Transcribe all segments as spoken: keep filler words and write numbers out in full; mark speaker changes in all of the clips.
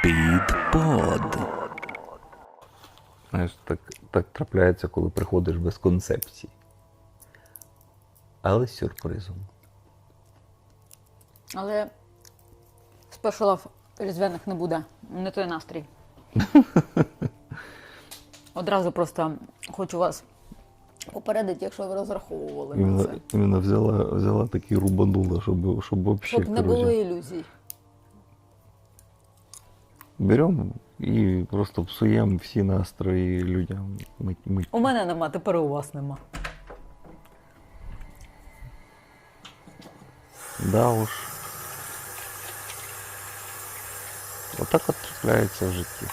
Speaker 1: Підпод. Знаєш, так, так трапляється, коли приходиш без концепції. Але з сюрпризом.
Speaker 2: Але спешалів різдвяних не буде. Не той настрій. Одразу просто хочу вас попередити, якщо ви розраховували на
Speaker 1: Іменно,
Speaker 2: це.
Speaker 1: іменно взяла, взяла такі рубанула, щоб, щоб вообще,
Speaker 2: Щоб не було
Speaker 1: короче,
Speaker 2: ілюзій.
Speaker 1: беремо і просто псуємо всі настрої людям. Мить, мить.
Speaker 2: У мене нема, тепер у вас нема.
Speaker 1: Да уж. Отак от трапляється в житті.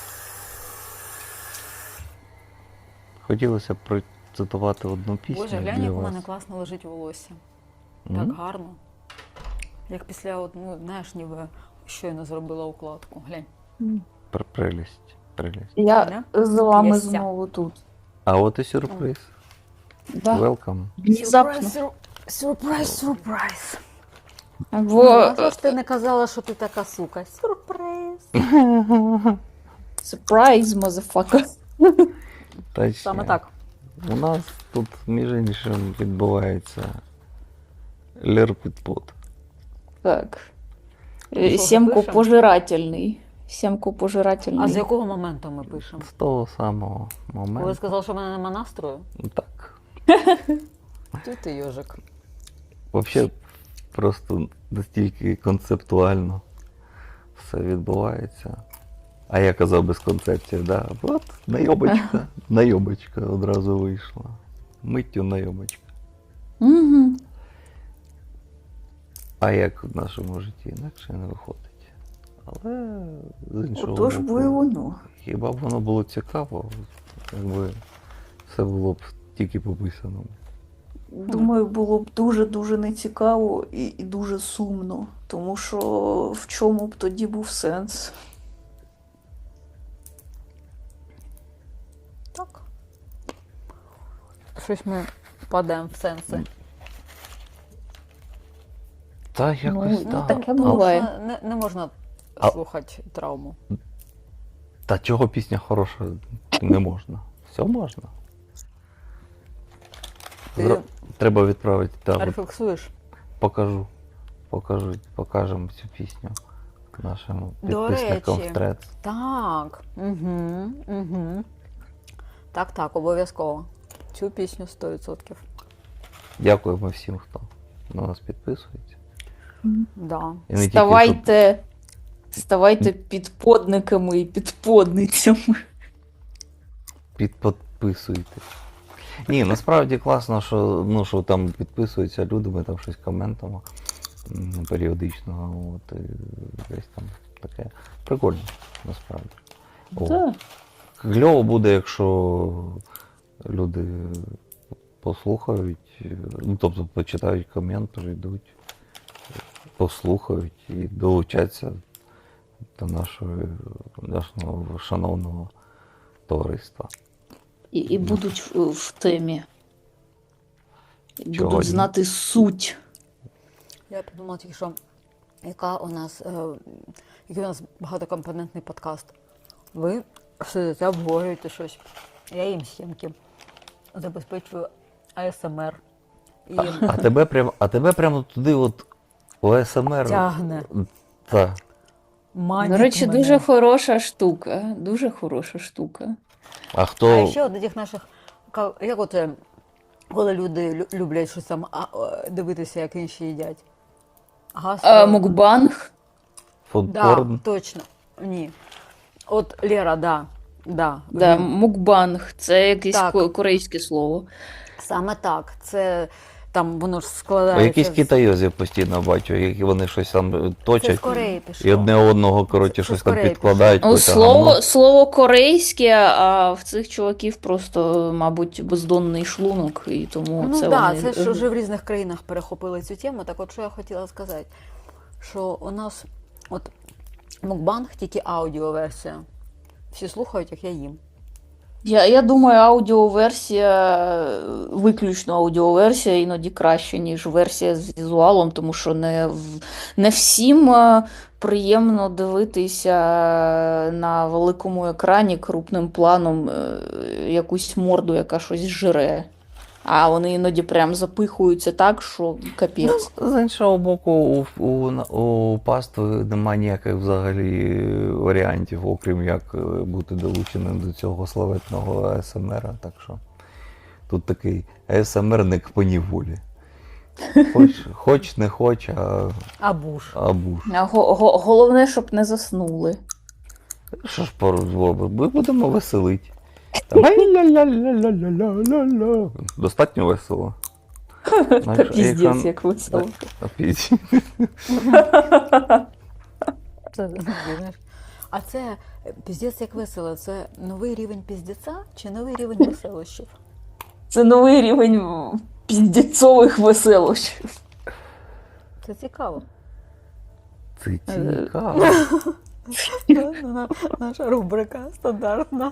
Speaker 1: Хотілося б процитувати одну пісню.
Speaker 2: Боже, глянь,
Speaker 1: для
Speaker 2: як у
Speaker 1: вас.
Speaker 2: мене класно лежить волосся.
Speaker 1: М?
Speaker 2: Так гарно. Як після, от, ну, знаєш, ніби щойно зробила укладку. Глянь.
Speaker 1: Пр- Прелість, прелість.
Speaker 3: Я з вами
Speaker 2: Яся.
Speaker 3: знову тут.
Speaker 1: А от і сюрприз.
Speaker 3: Да.
Speaker 1: Welcome.
Speaker 3: Внезапно.
Speaker 2: Сюрприз, сюрприз, сюрприз.
Speaker 3: Бо
Speaker 2: А що ж ти не казала, що ти така сука? Сюрприз.
Speaker 3: surprise, motherfucker.
Speaker 1: Точно.
Speaker 2: Саме так.
Speaker 1: У нас тут, між іншим, відбувається лерпідпод.
Speaker 3: Так.
Speaker 2: Що,
Speaker 3: Е, Сімку
Speaker 2: пишемо?
Speaker 3: пожирательний. Сімку пожирательний.
Speaker 2: А з якого моменту ми пишемо?
Speaker 1: З того самого
Speaker 2: Коли
Speaker 1: моменту.
Speaker 2: сказав, що в мене нема настрою?
Speaker 1: Так.
Speaker 2: Ти ти йожик.
Speaker 1: Взагалі, просто настільки концептуально все відбувається. А я казав без концепції, да. От найобочка, найобочка одразу вийшла. Миттю найобочка.
Speaker 3: Угу.
Speaker 1: А як в нашому житті інакше не виходить. Але з іншого
Speaker 3: Отож
Speaker 1: боку,
Speaker 3: бо і воно.
Speaker 1: хіба б воно було цікаво, якби все було б тільки по писаному.
Speaker 3: Думаю, було б дуже-дуже нецікаво і, і дуже сумно. Тому що в чому б тоді був сенс?
Speaker 2: Так. Щось ми падаємо в сенси.
Speaker 1: Та якось
Speaker 3: Ну,
Speaker 1: так.
Speaker 3: таке
Speaker 1: А-
Speaker 3: було. Буває.
Speaker 2: Можна- Не, не можна
Speaker 1: А-
Speaker 2: слухати травму.
Speaker 1: Та чого пісня хороша не можна. Все можна.
Speaker 2: Ти
Speaker 1: Зро- Треба відправити, так, от
Speaker 2: рефлексуєш?
Speaker 1: покажу. Покажу, покажемо цю пісню нашим
Speaker 2: До
Speaker 1: підписникам
Speaker 2: речі.
Speaker 1: в трец.
Speaker 2: Так. Угу, угу. Так, так, обов'язково. Цю пісню сто відсотків.
Speaker 1: Дякуємо всім, хто на нас підписується.
Speaker 2: Да.
Speaker 1: І не тільки,
Speaker 3: Ставайте, ставайте підподниками і підподницями.
Speaker 1: що підписуйтесь. Ні, насправді класно, що, ну, що там підписуються люди, ми там щось коментимо м, періодично. От, і десь там таке. Прикольно, насправді. О.
Speaker 3: Так.
Speaker 1: Кльово буде, якщо люди послухають, ну, тобто почитають комент, прийдуть, послухають і долучаться до нашого, нашого шановного товариства.
Speaker 3: І, і будуть в, в темі. І
Speaker 1: Чого
Speaker 3: будуть
Speaker 1: ні?
Speaker 3: знати суть.
Speaker 2: Я подумала тільки, що яка у нас, е, який у нас багатокомпонентний подкаст. Ви сидите, обговорюєте щось. Я їм сімки. Забезпечую А С М Р. І
Speaker 1: А тебе прямо, а тебе прямо туди от у С М Р.
Speaker 2: тягне.
Speaker 1: Так.
Speaker 2: Манить
Speaker 3: До речі,
Speaker 2: мене.
Speaker 3: дуже хороша штука. Дуже хороша штука.
Speaker 1: А хто.
Speaker 2: А ще от таких наших, ка- як от, е, коли люди лю- люблять щось там а, е, дивитися, як інші їдять. Гастро...
Speaker 3: А, мукбанг.
Speaker 2: Да,
Speaker 1: Фудпорн?
Speaker 2: точно. Ні. От Лера, да. Да.
Speaker 3: Да,
Speaker 2: Він-
Speaker 3: мукбанг. Це якесь
Speaker 2: Так.
Speaker 3: ко- корейське слово.
Speaker 2: Саме так. Це там воно ж
Speaker 1: О,
Speaker 2: складається.
Speaker 1: якісь
Speaker 2: з-
Speaker 1: китайозів постійно бачу, які вони щось там
Speaker 2: Це з
Speaker 1: точать.
Speaker 2: Кореї пішло.
Speaker 1: І одне одного, коротше,
Speaker 2: Це- це
Speaker 1: щось
Speaker 2: з
Speaker 1: там
Speaker 2: Кореї
Speaker 1: підкладають.
Speaker 3: Ну,
Speaker 1: якусь
Speaker 3: слово,
Speaker 1: гамно.
Speaker 3: слово корейське, а в цих чуваків просто, мабуть, бездонний шлунок, і тому
Speaker 2: Ну
Speaker 3: це
Speaker 2: так,
Speaker 3: вони...
Speaker 2: це ж вже в різних країнах перехопили цю тему. Так от що я хотіла сказати, що у нас от мукбанг тільки аудіоверсія. Всі слухають, як я їм.
Speaker 3: Я, я думаю, аудіоверсія, виключно аудіоверсія іноді краще, ніж версія з візуалом, тому що не, в- не всім е, приємно дивитися на великому екрані крупним планом е, якусь морду, яка щось жре. А вони іноді прям запихуються так, що капець.
Speaker 1: З іншого боку, у, у, у пастви немає ніяких взагалі варіантів, окрім як е, бути долученим до цього славетного А С М Р. Так що тут такий А С М Рник по ніволі. Хоч, хоч не хоч, а,
Speaker 2: А буш.
Speaker 1: а буш.
Speaker 3: А го- го- Головне, щоб не заснули.
Speaker 1: Що ж поробимо? Ми будемо веселити. Там, ай-ля-ля-ля-ля-ля-ля-ля. Достатньо весело.
Speaker 3: Та
Speaker 1: Знаєш,
Speaker 3: піздець,
Speaker 1: екран-
Speaker 3: як весело.
Speaker 1: А пізь.
Speaker 2: Це, ну, знаєш. А це е, піздець як весело. Це новий рівень піздеця чи новий рівень веселощів?
Speaker 3: Це новий рівень піздецьових веселощів.
Speaker 2: Це цікаво.
Speaker 1: Це цікаво.
Speaker 2: На- Наша рубрика стандартна.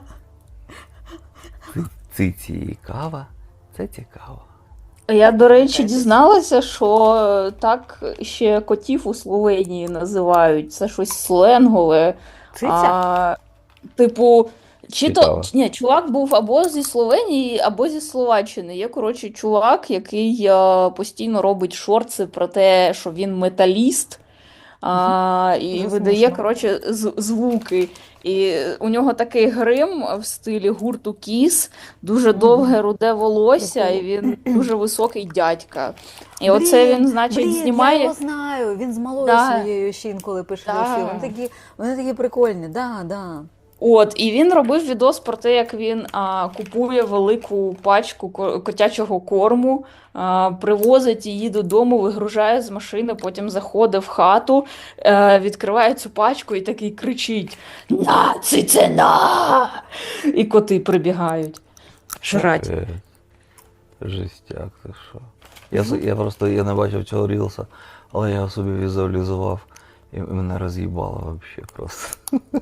Speaker 1: Це цікаво. Це цікаво.
Speaker 3: Я, до речі, дізналася, що так ще котів у Словенії називають. Це щось сленгове.
Speaker 2: Циця?
Speaker 3: А, типу, чи то
Speaker 1: Цікаво.
Speaker 3: ні, чувак був або зі Словенії, або зі Словаччини. Є, коротше, чувак, який а, постійно робить шорти про те, що він металіст. А, і
Speaker 2: Дуже
Speaker 3: видає,
Speaker 2: смішно.
Speaker 3: коротше, з- звуки. І у нього такий грим в стилі гурту Кіс, дуже
Speaker 2: Мгм.
Speaker 3: довге руде волосся, і
Speaker 2: Прикол.
Speaker 3: він дуже високий дядька. І оце він, значить,
Speaker 2: блін, я
Speaker 3: знімає.
Speaker 2: його знаю. Він з малою
Speaker 3: Да.
Speaker 2: своєю ще інколи пише
Speaker 3: Да.
Speaker 2: вірші. Вони такі, вони такі прикольні, да, да.
Speaker 3: От, і він робив відос про те, як він а, купує велику пачку ко- котячого корму, а, привозить її додому, вигружає з машини, потім заходить в хату, е, відкриває цю пачку і такий кричить: «На, це на!» І коти прибігають. Жрать.
Speaker 1: Е, Жестяк, ти що. Я, с- я просто я не бачив цього рілса, але я собі візуалізував і мене роз'їбало взагалі просто.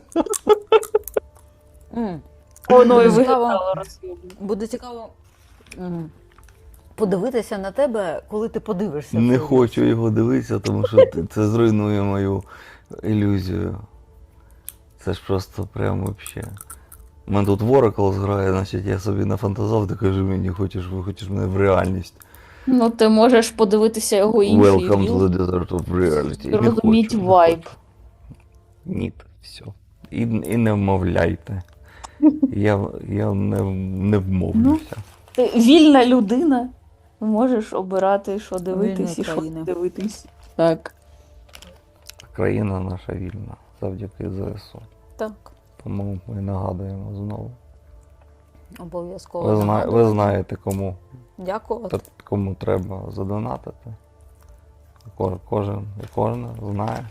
Speaker 2: М.
Speaker 3: Воно і
Speaker 2: Цікаво.
Speaker 3: виглядало роз'ємно.
Speaker 2: Буде цікаво м, подивитися на тебе, коли ти подивишся.
Speaker 1: Не
Speaker 2: цей
Speaker 1: хочу
Speaker 2: рілс.
Speaker 1: його дивитися, тому що ти- це зруйнує мою ілюзію. Це ж просто прям вообще. У мене тут Oracle грає, значить я собі нафантазав, ти кажи мені, хочеш, хочеш мене в реальність.
Speaker 3: Ну, ти можеш подивитися його інший
Speaker 1: Welcome to
Speaker 3: ріл,
Speaker 1: the desert of reality. Не
Speaker 3: розуміть
Speaker 1: хочу, не
Speaker 3: вайб.
Speaker 1: хочу. Ні, все. І, і не вмовляйте. Я, я не, не вмовлюся.
Speaker 3: Ти вільна людина, можеш обирати, що дивитись
Speaker 2: Вільна
Speaker 3: і що
Speaker 2: країна.
Speaker 3: не дивитись. Так.
Speaker 1: Країна наша вільна, завдяки З С У.
Speaker 2: Так,
Speaker 1: Тому ми нагадуємо знову.
Speaker 2: обов'язково.
Speaker 1: Ви, зна,
Speaker 2: нагадую.
Speaker 1: ви знаєте, кому,
Speaker 2: Дякую.
Speaker 1: та- кому треба задонатити. Ко- Кожен і кожна знає.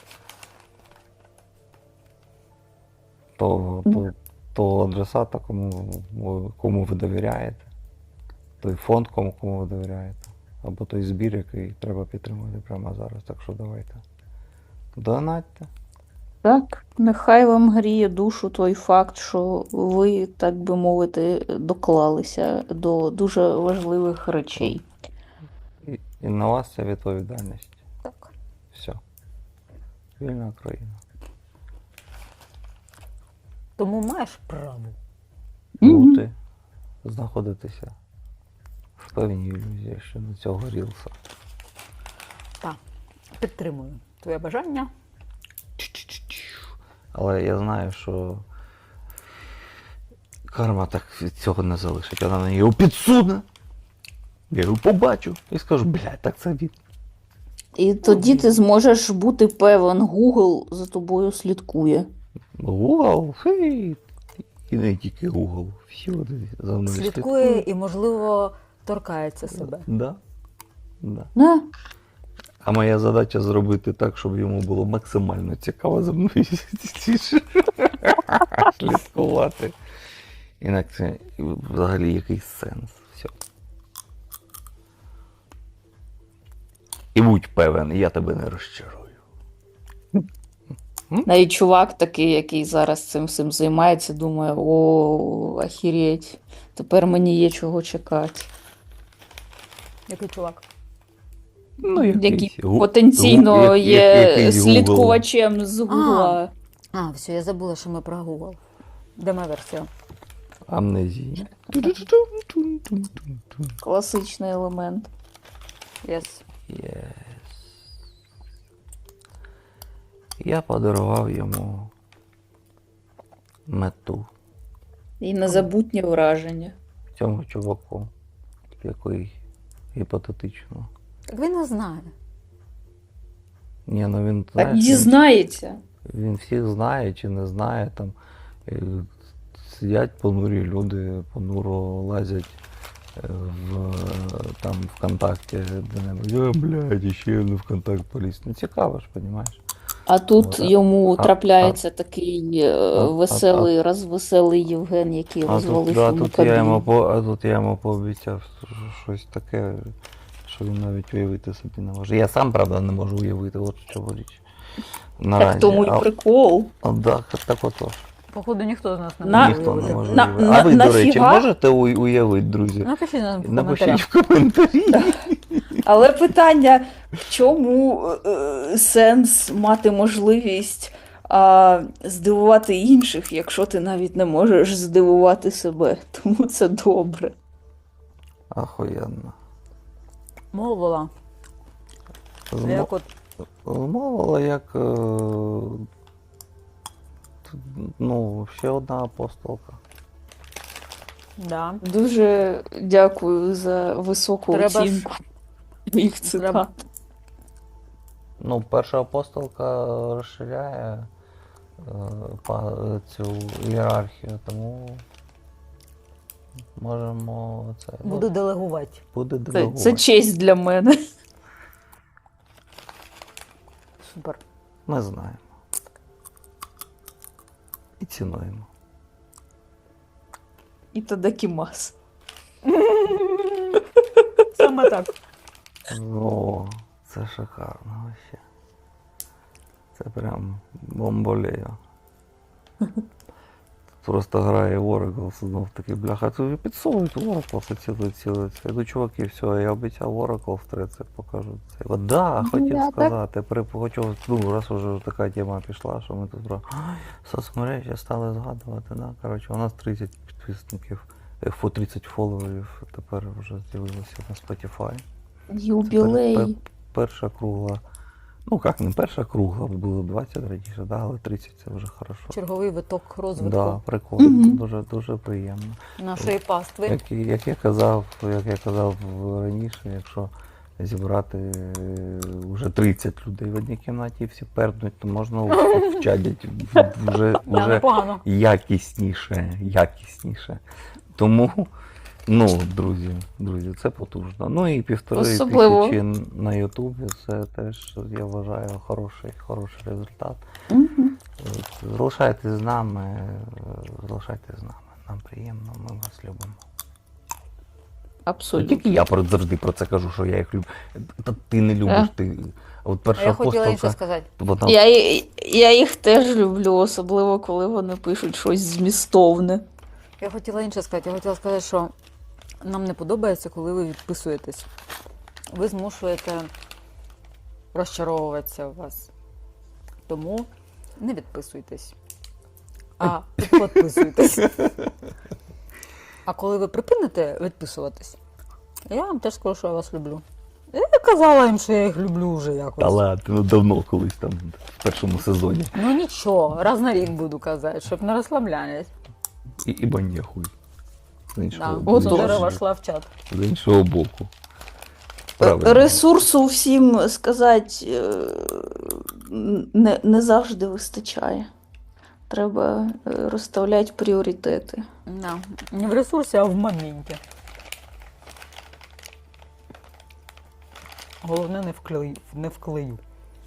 Speaker 1: Того, то, того адресата, кому, ви- кому ви довіряєте. Той фонд, кому, кому ви довіряєте. Або той збір, який треба підтримувати прямо зараз. Так що давайте. Донатьте.
Speaker 3: Так, нехай вам гріє душу той факт, що ви, так би мовити, доклалися до дуже важливих речей.
Speaker 1: І, і на вас ця відповідальність.
Speaker 2: Так.
Speaker 1: Все. Вільна країна.
Speaker 2: Тому маєш право.
Speaker 3: Мгм.
Speaker 1: Бути, знаходитися в певній ілюзії щодо цього рілса.
Speaker 2: Так. Підтримую твоє бажання.
Speaker 1: Але я знаю, що карма так від цього не залишить. Вона мені його підсуне. Я його побачу і скажу, блядь, так це він.
Speaker 3: І тоді ти зможеш бути певен, Google за тобою слідкує.
Speaker 1: Google, хей. І не тільки Google. Всі вони за мною
Speaker 2: Слідкує і, можливо, торкається себе.
Speaker 1: Да. Да.
Speaker 3: Да.
Speaker 1: А моя задача зробити так, щоб йому було максимально цікаво за мною слідкувати. Інакше взагалі якийсь сенс. Все. І будь певен, я тебе не розчарую.
Speaker 3: Навіть чувак такий, який зараз цим всім займається, думає, о, ахіреть, тепер мені є чого чекати.
Speaker 2: Який чувак?
Speaker 1: Ну,
Speaker 3: Який
Speaker 1: гу-
Speaker 3: потенційно
Speaker 1: гу- як-
Speaker 3: є
Speaker 1: як- якийсь Google.
Speaker 3: слідкувачем з Гугла.
Speaker 2: А, все, я забула, що ми про Google. Де моя версія?
Speaker 1: Амнезія.
Speaker 3: Класичний елемент.
Speaker 2: Yes.
Speaker 1: Yes. Я подарував йому мету
Speaker 3: І незабутнє враження.
Speaker 1: цьому чуваку, який гіпотетично.
Speaker 2: Так він не знає.
Speaker 1: Ні, ну він,
Speaker 3: Так
Speaker 1: знаєш, він,
Speaker 3: дізнається.
Speaker 1: він всіх знає чи не знає. Там е, сидять понурі люди, понуро лазять е, в е, там ВКонтакті де-небудь. О, блядь, ще не ВКонтакт поліз. Ну цікаво ж, розумієш?
Speaker 3: А тут
Speaker 1: От, а-
Speaker 3: йому
Speaker 1: а-
Speaker 3: трапляється такий е,
Speaker 1: а-
Speaker 3: веселий, розвеселий Євген, який
Speaker 1: А
Speaker 3: розвалив
Speaker 1: тут, да,
Speaker 3: йому
Speaker 1: тут, я йому
Speaker 3: кабіну.
Speaker 1: по, а тут я йому пообіцяв щось таке, що він навіть уявити собі не може. Я сам, правда, не можу уявити, от що річ. Наразі.
Speaker 3: Так тому й
Speaker 1: а,
Speaker 3: прикол.
Speaker 1: а, да, так отож.
Speaker 2: Походу, ніхто з нас не
Speaker 3: На-
Speaker 2: може
Speaker 1: Ніхто не
Speaker 2: уявити.
Speaker 1: може
Speaker 3: на-
Speaker 1: уявити.
Speaker 3: на-
Speaker 1: А ви, до речі,
Speaker 3: нафіга?
Speaker 1: можете у- уявити, друзі?
Speaker 2: Напишіть нам в
Speaker 1: Напишіть
Speaker 2: коментарях.
Speaker 1: в коментарі.
Speaker 3: Але питання, в чому е, сенс мати можливість а, здивувати інших, якщо ти навіть не можеш здивувати себе. Тому це добре.
Speaker 1: Ахуєнно.
Speaker 2: Мовила.
Speaker 1: Змо-
Speaker 2: Як от
Speaker 1: Змовила як. е, т- Ну, ще одна апостолка.
Speaker 2: Да.
Speaker 3: Дуже дякую за високу
Speaker 2: Треба ж-
Speaker 3: оцінку моїх цитат.
Speaker 2: Треба-
Speaker 1: Ну, перша апостолка розширяє е, па- цю ієрархію, тому можемо це. ну,
Speaker 2: Буду делегувати.
Speaker 1: буде
Speaker 3: Це,
Speaker 1: делегувати.
Speaker 3: це честь для мене.
Speaker 2: Супер.
Speaker 1: Ми знаємо. І цінуємо.
Speaker 3: І тадакімас.
Speaker 2: Саме так.
Speaker 1: О, це шикарно вообще. Це прям бомболея. Просто грає Oracle, знов таки, бляха, це підсовують Oracle, це ціле, ціле, це. Ну, чуваки, все, я обіцяв Oracle в тридцять покажу. Це. От, да, хотів
Speaker 3: я так.
Speaker 1: сказати, при, хочу, ну, раз уже така тема пішла, що ми тут про соцмережі стали згадувати, да, коротше, у нас тридцять підписників, е, фо тридцять фоловерів тепер вже з'явилося на Spotify. Це пер-
Speaker 3: Юбілей.
Speaker 1: пер- перша кругла. Ну, як не перша кругла, було двадцять раніше, да, але тридцять це вже хорошо.
Speaker 2: Черговий виток розвитку
Speaker 1: Да, прикольно,
Speaker 3: Мгм.
Speaker 1: дуже, дуже приємно.
Speaker 2: нашої пастви.
Speaker 1: Як, і- як я казав, як я казав раніше, якщо зібрати е, вже тридцять людей в одній кімнаті і всі перднуть, то можна вчадять вже,
Speaker 2: Да,
Speaker 1: вже
Speaker 2: непогано.
Speaker 1: якісніше, якісніше. Тому, ну, друзі, друзі, це потужно. Ну і півтори
Speaker 3: Особливо.
Speaker 1: тисячі на Ютубі, це теж, я вважаю, хороший, хороший результат.
Speaker 3: Мгм.
Speaker 1: От, залишайтесь з нами, е, залишайтесь з нами. Нам приємно, ми вас любимо.
Speaker 3: Абсолютно.
Speaker 1: Тільки я про- завжди про це кажу, що я їх люблю. Та ти не любиш,
Speaker 3: Е.
Speaker 1: ти. От
Speaker 2: А
Speaker 1: перша
Speaker 2: я хотіла інше
Speaker 1: апостолка,
Speaker 2: сказати.
Speaker 1: вона
Speaker 3: Я, і- я їх теж люблю, особливо коли вони пишуть щось змістовне.
Speaker 2: Я хотіла інше сказати. Я хотіла сказати, що нам не подобається, коли ви відписуєтесь. Ви змушуєте розчаровуватися у вас. Тому не відписуйтесь, а підписуйтесь. А коли ви припините відписуватись, я вам теж скажу, що я вас люблю. Я казала їм, що я їх люблю вже якось.
Speaker 1: Та ладно, ну давно колись там в першому сезоні.
Speaker 2: Ну нічого, раз на рік буду казати, щоб не розслаблялись.
Speaker 1: І, і банєхуй. З іншого,
Speaker 2: Да.
Speaker 1: з
Speaker 3: Отож.
Speaker 1: іншого-
Speaker 2: Дерева йшла в чат.
Speaker 1: з іншого боку. Правильно.
Speaker 3: Ресурсу всім сказати е, не, не завжди вистачає. Треба е, розставляти пріоритети.
Speaker 2: Да. Не в ресурсі, а в моменті. Головне не вклею. Не вклею.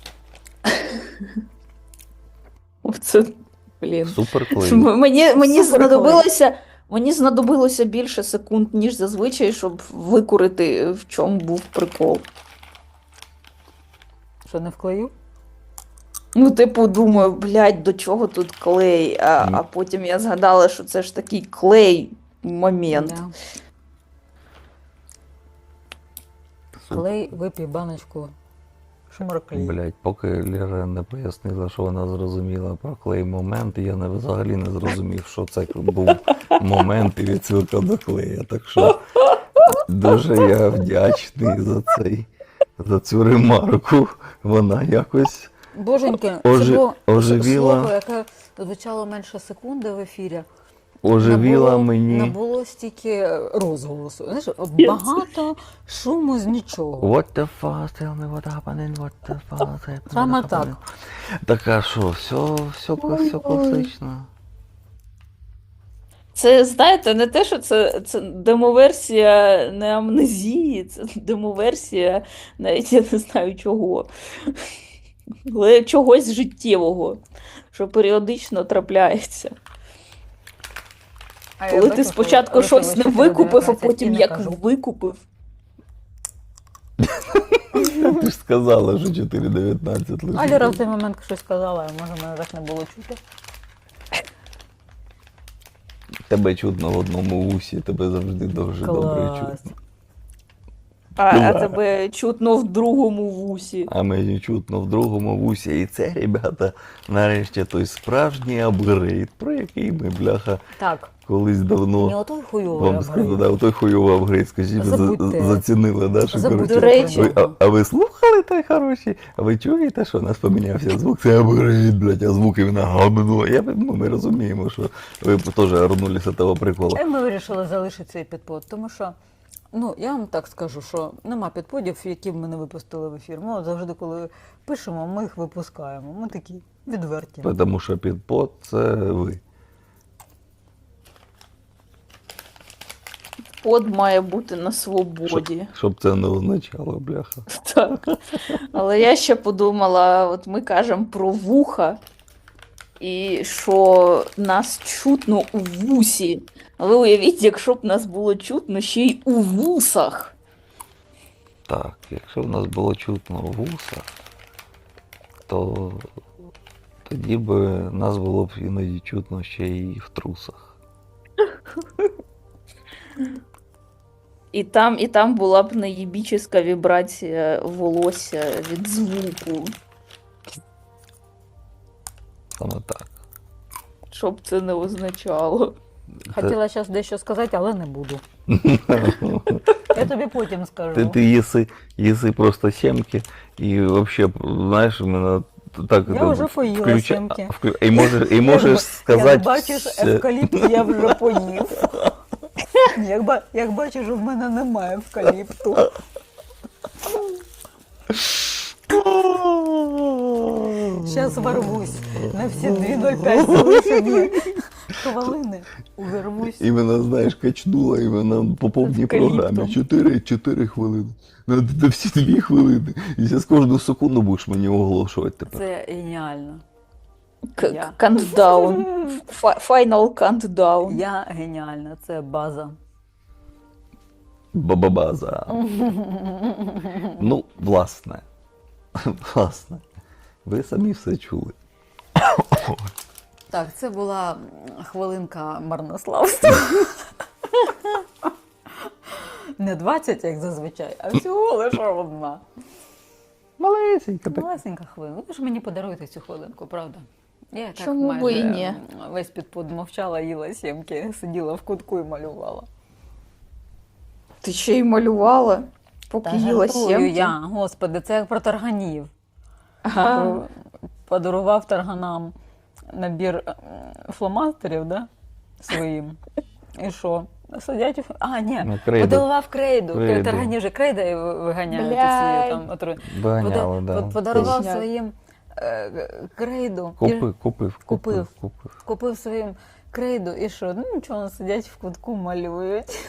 Speaker 3: Це, блін.
Speaker 1: Супер клей.
Speaker 3: М- Мені, мені,
Speaker 2: Супер
Speaker 3: знадобилося, мені знадобилося більше секунд, ніж зазвичай, щоб викурити, в чому був прикол.
Speaker 2: Що не вклею?
Speaker 3: Ну, типу, думаю, блядь, до чого тут клей? А,
Speaker 1: Мгм.
Speaker 3: а потім я згадала, що це ж такий клей момент.
Speaker 2: Да.
Speaker 1: Супер.
Speaker 2: Клей, випій баночку шморклей.
Speaker 1: Блять, поки Лера не пояснила, що вона зрозуміла про клей момент, я не, взагалі не зрозумів, що це був момент і відсилка до клея. Так що дуже я вдячний за цей, за цю ремарку. Вона якось
Speaker 2: Боженьки,
Speaker 1: Ожи-
Speaker 2: це було
Speaker 1: оживіла.
Speaker 2: слово, яке звучало менше секунди в ефірі.
Speaker 1: оживіла
Speaker 2: Набуло-
Speaker 1: мені.
Speaker 2: Набуло стільки розголосу. Знаєш, багато шуму з нічого.
Speaker 1: What the fuck, tell me what happened, what the fuck happened,
Speaker 2: Саме
Speaker 1: what
Speaker 2: так.
Speaker 1: happened. Так а що, все, все, все класично.
Speaker 3: Це, знаєте, не те, що це, це демоверсія не амнезії, це демоверсія, навіть я не знаю чого. Але чогось життєвого, що періодично трапляється.
Speaker 2: А я
Speaker 3: Коли ти
Speaker 2: бачу, що
Speaker 3: спочатку
Speaker 2: Руслан
Speaker 3: щось не
Speaker 2: чотири
Speaker 3: викупив, а
Speaker 2: дев'ятнадцять і
Speaker 3: потім
Speaker 2: не
Speaker 3: як
Speaker 2: кажу.
Speaker 3: викупив.
Speaker 1: Ти ж сказала, що чотири дев'ятнадцять лише.
Speaker 2: А Лера в той момент щось сказала, а може мене так не було чути.
Speaker 1: Тебе чутно в одному вусі, тебе завжди дуже добре
Speaker 2: Клас.
Speaker 1: чутно.
Speaker 3: А, а
Speaker 1: Да.
Speaker 3: тебе чутно в другому вусі.
Speaker 1: А мені чутно в другому вусі. І це, ребята, нарешті той справжній апгрейд, про який ми, бляха,
Speaker 2: Так,
Speaker 1: колись
Speaker 2: не
Speaker 1: давно
Speaker 2: отой хуйовий
Speaker 1: вам сказали.
Speaker 2: апгрейд.
Speaker 1: Да, той хуйовий апгрейд, скажіть, ви за-
Speaker 2: Забудьте.
Speaker 1: зацінили, да, що,
Speaker 2: Забудьте
Speaker 1: коротше,
Speaker 3: До речі.
Speaker 1: ви, а, а ви слухали той хороший? А ви чуєте, що у нас помінявся звук? Це апгрейд, блядь, а звук іменно гамно. Я, ну, ми розуміємо, що ви теж орнулися того приколу.
Speaker 2: І ми вирішили залишити цей підпод, тому що, ну, я вам так скажу, що нема підподів, які б ми не випустили в ефір. Ми от завжди, коли пишемо, ми їх випускаємо. Ми такі відверті.
Speaker 1: Тому що підпод це ви.
Speaker 3: Под має бути на свободі.
Speaker 1: Щоб це не означало, бляха.
Speaker 3: Так. Але я ще подумала, от ми кажемо про вуха, і що нас чутно у вусі. Але уявіть, якщо б нас було чутно ще й у вусах.
Speaker 1: Так, якщо в нас було чутно вуса, то тоді б нас було б іноді чутно ще й в трусах.
Speaker 3: І там, і там була б неєбічна вібрація волосся від звуку.
Speaker 1: Саме так.
Speaker 3: Що б це не означало.
Speaker 2: Хотіла зараз дещо сказати, але не буду. Я тобі потім скажу.
Speaker 1: Ти, ти їси, їси просто сімки і взагалі, знаєш, мене так
Speaker 2: Я
Speaker 1: це
Speaker 2: вже поїла
Speaker 1: включа-
Speaker 2: сімки.
Speaker 1: а, вклю- І можеш, і можеш
Speaker 2: Як
Speaker 1: сказати.
Speaker 2: бачиш,
Speaker 1: все.
Speaker 2: евкаліпт я вже поїв. Як, ба- як бачиш, в мене немає евкаліпту. Зараз ворвусь. На всі дві нуль п'ять залишені хвилини. Увірвусь.
Speaker 1: Іменно, знаєш, качнула іменно по повній
Speaker 3: Евкаліптом.
Speaker 1: програмі. Чотири, чотири хвилини. На, на всі дві хвилини. І зараз кожну секунду будеш мені оголошувати тепер.
Speaker 2: Це геніально.
Speaker 3: К-
Speaker 2: Я.
Speaker 3: Кантдаун. Фа- Final countdown.
Speaker 2: Я геніальна, це база.
Speaker 1: Бабабаза. Ну, власне. Власне. Ви самі все чули.
Speaker 2: Так, це була м, хвилинка марнославства. Не двадцять, як зазвичай, а всього лише одна.
Speaker 1: Малесенька така.
Speaker 2: Малесенька хвилинка. Ви ж мені подаруєте цю хвилинку, правда? Я так
Speaker 3: Чому
Speaker 2: майже
Speaker 3: би і ні?
Speaker 2: м, весь підпод мовчала, їла сімки, сиділа в кутку і малювала.
Speaker 3: Ти ще й малювала, поки
Speaker 2: Та
Speaker 3: їла
Speaker 2: жартую
Speaker 3: сімки?
Speaker 2: я, господи, це як про тарганів.
Speaker 3: Ага.
Speaker 2: Подарував тарганам набір м, фломастерів, да? Своїм. І що? Сидять у... А, ні,
Speaker 1: Ну, крейду.
Speaker 2: подарував крейду.
Speaker 1: Крейду.
Speaker 2: Таргані же крейда і ви- виганяють
Speaker 3: Блядь.
Speaker 2: усі там отру...
Speaker 1: Виганяли,
Speaker 2: Пода-
Speaker 1: да.
Speaker 2: по- Подарував
Speaker 3: Точняк.
Speaker 2: своїм е, крейду. І
Speaker 1: Купив, купив,
Speaker 2: Купив.
Speaker 1: купив, купив.
Speaker 2: Купив своїм крейду і що? Ну нічого, сидять в кутку, малюють.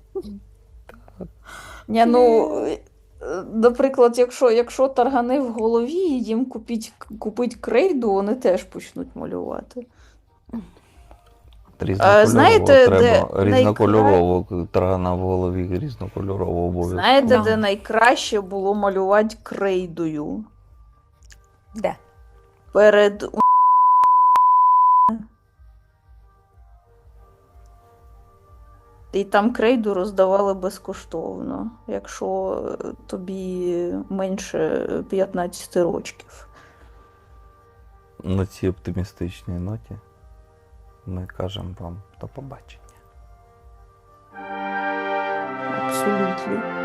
Speaker 3: Ні, ну, е, наприклад, якщо, якщо таргани в голові, і їм купіть, купить крейду, вони теж почнуть малювати.
Speaker 1: Різнокольорово
Speaker 3: знаєте,
Speaker 1: треба.
Speaker 3: де
Speaker 1: Різнокольорово. Таргана в голові різнокольорово обов'язково.
Speaker 3: Знаєте,
Speaker 2: Да.
Speaker 3: де найкраще було малювати крейдою?
Speaker 2: Де?
Speaker 3: перед у- і там крейду роздавали безкоштовно, якщо е, тобі менше п'ятнадцяти років.
Speaker 1: На цій оптимістичній ноті ми кажемо вам до побачення.
Speaker 3: Абсолютно.